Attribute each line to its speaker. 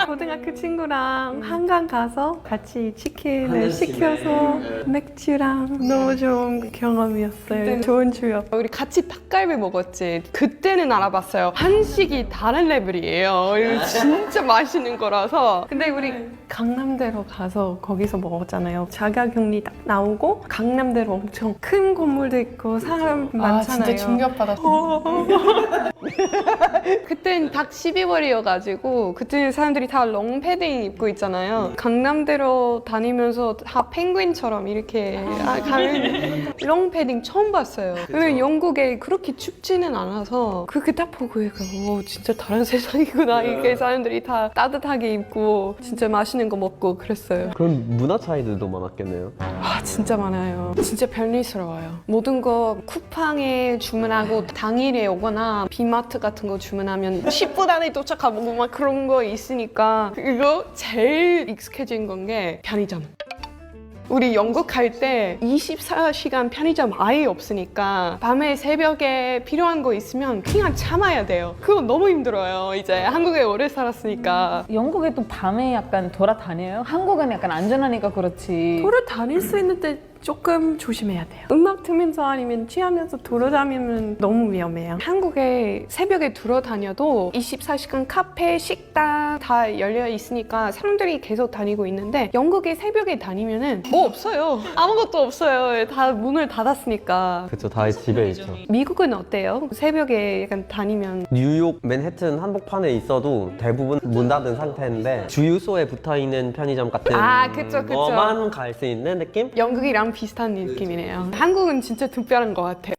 Speaker 1: 고등학교 친구랑 한강 가서 같이 치킨을
Speaker 2: 하나씩
Speaker 1: 시켜서
Speaker 2: 네.
Speaker 1: 맥주랑 너무 좋은 경험이었어요. 좋은 추억.
Speaker 3: 우리 같이 닭갈비 먹었지. 그때는 알아봤어요. 한식이 다른 레벨이에요. 이거 진짜 맛있는 거라서.
Speaker 1: 근데 우리 강남대로 가서 거기서 먹었잖아요. 자가격리 딱 나오고 강남대로 엄청 큰 건물도 있고 사람 많잖아요.
Speaker 3: 진짜 충격받았어. 그땐 딱 12월이어가지고 그때 사람들이 다 롱패딩 입고 있잖아요. 강남대로 다니면서 다 펭귄처럼 이렇게 가는 롱패딩 처음 봤어요. 왜냐면 영국에 그렇게 춥지는 않아서 그렇게 딱 보고 오, 진짜 다른 세상이구나. 이렇게 사람들이 다 따뜻하게 입고 진짜 맛있는 거 먹고 그랬어요.
Speaker 2: 그럼 문화 차이들도 많았겠네요.
Speaker 3: 진짜 많아요. 진짜 편리스러워요. 모든 거 쿠팡에 주문하고 당일에 오거나 비마트 같은 거 주문하면 10분 안에 도착하고 막 그런 거 있으니까 이거 제일 익숙해진 건 게 편의점. 우리 영국 갈 때 24시간 편의점 아예 없으니까 밤에 새벽에 필요한 거 있으면 그냥 참아야 돼요. 그거 너무 힘들어요. 이제 한국에 오래 살았으니까.
Speaker 4: 영국에 또 밤에 약간 돌아다녀요? 한국은 약간 안전하니까 그렇지.
Speaker 1: 돌아다닐 수 있는데 조금 조심해야 돼요. 음악 틀면서 아니면 취하면서 돌아다니면 너무 위험해요.
Speaker 3: 한국에 새벽에 돌아다녀도 24시간 카페, 식당 다 열려 있으니까 사람들이 계속 다니고 있는데 영국에 새벽에 다니면은 뭐 없어요. 아무것도 없어요. 다 문을 닫았으니까.
Speaker 2: 그쵸, 다 집에 있죠.
Speaker 3: 미국은 어때요? 새벽에 약간 다니면
Speaker 2: 뉴욕 맨해튼 한복판에 있어도 대부분 문 닫은 상태인데 주유소에 붙어있는 편의점 같은
Speaker 3: 그쵸.
Speaker 2: 거만 갈 수 있는 느낌?
Speaker 3: 영국이랑 비슷한 느낌이네요. 한국은 진짜 특별한 것 같아요.